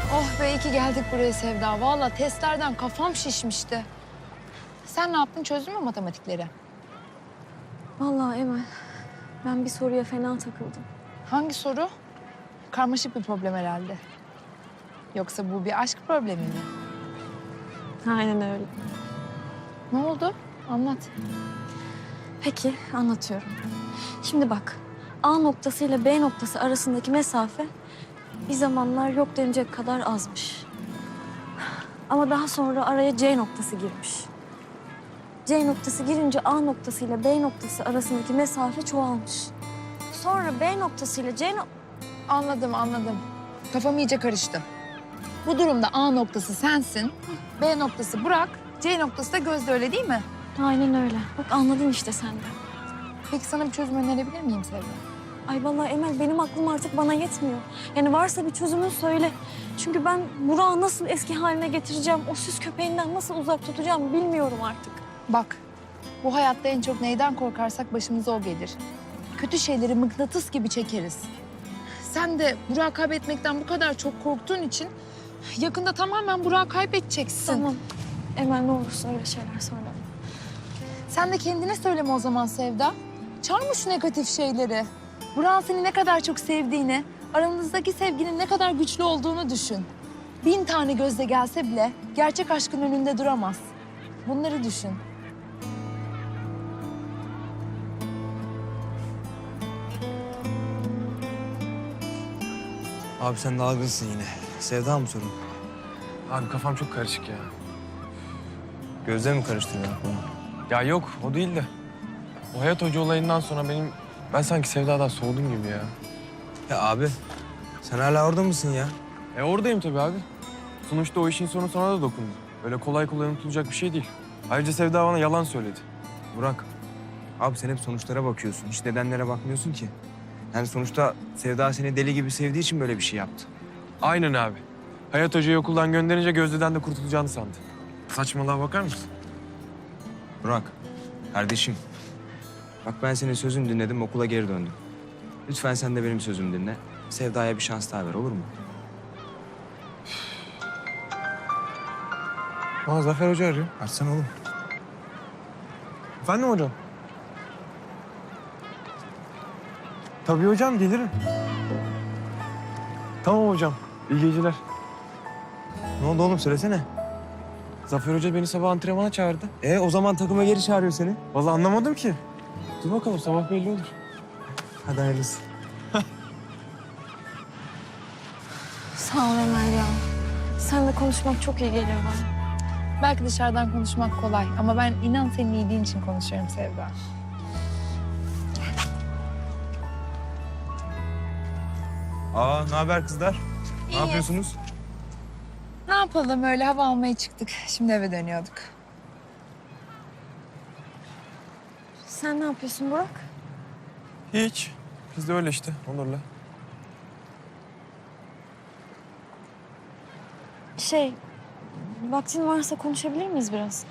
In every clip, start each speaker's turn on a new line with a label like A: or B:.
A: Oh be, iyi ki geldik buraya Sevda. Vallahi testlerden kafam şişmişti. Sen ne yaptın? Çözdün mü matematikleri?
B: Vallahi Emel, ben bir soruya fena takıldım.
A: Hangi soru? Karmaşık bir problem herhalde. Yoksa bu bir aşk problemi mi?
B: Aynen öyle.
A: Ne oldu? Anlat.
B: Peki, anlatıyorum. Şimdi bak, A noktası ile B noktası arasındaki mesafe bir zamanlar yok denecek kadar azmış. Ama daha sonra araya C noktası girmiş. C noktası girince A noktası ile B noktası arasındaki mesafe çoğalmış. Sonra B noktası ile C
A: Anladım. Kafam iyice karıştı. Bu durumda A noktası sensin, B noktası Burak, C noktası da Gözde, öyle değil mi?
B: Aynen öyle. Bak anladın işte sen de.
A: Peki sana bir çözüm önerebilir miyim Sevda?
B: Ay vallahi Emel, benim aklım artık bana yetmiyor. Yani varsa bir çözümün söyle. Çünkü ben Burak'ı nasıl eski haline getireceğim, o süs köpeğinden nasıl uzak tutacağım bilmiyorum artık.
A: Bak, bu hayatta en çok neyden korkarsak başımıza o gelir. Kötü şeyleri mıknatıs gibi çekeriz. Sen de Burak'ı kaybetmekten bu kadar çok korktuğun için yakında tamamen Burak'ı kaybedeceksin.
B: Tamam. Emel ne olursa öyle şeyler söyleme.
A: Sen de kendine söyleme o zaman Sevda. Çarpma şu negatif şeyleri. Burak'ın seni ne kadar çok sevdiğini, aranızdaki sevginin ne kadar güçlü olduğunu düşün. 1000 tane gözle gelse bile gerçek aşkın önünde duramaz. Bunları düşün.
C: Abi sen dalgınsın yine. Sevda mı sorun?
D: Abi kafam çok karışık ya.
C: Gözde mi karıştırıyor aklını?
D: Ya yok o değil de. O Hayat Hoca olayından sonra ben sanki Sevda'dan soğudum gibi ya.
C: Ya abi sen hala orada mısın ya?
D: Oradayım tabii abi. Sonuçta o işin sonu sana da dokundu. Öyle kolay kolay unutulacak bir şey değil. Ayrıca Sevda bana yalan söyledi.
C: Burak. Abi sen hep sonuçlara bakıyorsun. Hiç nedenlere bakmıyorsun ki. Yani sonuçta Sevda seni deli gibi sevdiği için böyle bir şey yaptı.
D: Aynen abi. Hayat Hoca'yı okuldan gönderince Gözde'den de kurtulacağını sandı. Saçmalığa bakar mısın?
C: Burak, kardeşim. Bak ben senin sözünü dinledim, okula geri döndüm. Lütfen sen de benim sözümü dinle. Sevda'ya bir şans daha ver, olur mu?
D: Aa Zafer Hoca arıyor.
C: Açsana oğlum.
D: Efendim hocam? Tabii hocam gelirim. Tamam hocam. İyi geceler.
C: Ne oldu oğlum, söylesene.
D: Zafer Hoca beni sabah antrenmana çağırdı.
C: O zaman takıma geri çağırıyor seni.
D: Vallahi anlamadım ki. Dur bakalım sabah belli olur.
C: Hadi hayırlısı.
B: Sağ ol Emel ya. Seninle konuşmak çok iyi geliyor bana.
A: Belki dışarıdan konuşmak kolay ama ben inan senin iyiliğin için konuşuyorum Sevda.
C: Ne haber kızlar?
A: İyi.
C: Ne yapıyorsunuz?
A: Ne yapalım, öyle hava almaya çıktık. Şimdi eve dönüyorduk.
B: Sen ne yapıyorsun Burak?
D: Hiç. Biz de öyle işte Onur'la.
B: Vaktin varsa konuşabilir miyiz biraz?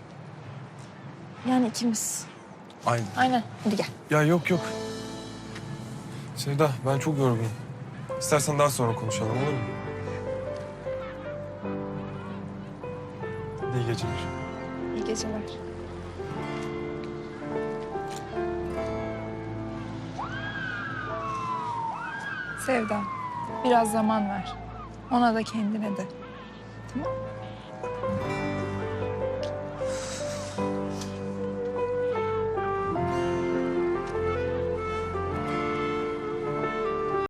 B: Yani ikimiz.
A: Aynen, hadi gel.
D: Ya yok. Sevda ben çok yorgunum. İstersen daha sonra konuşalım olur mu? İyi geceler.
A: İyi geceler. Sevda, biraz zaman ver. Ona da kendine de. Tamam mı?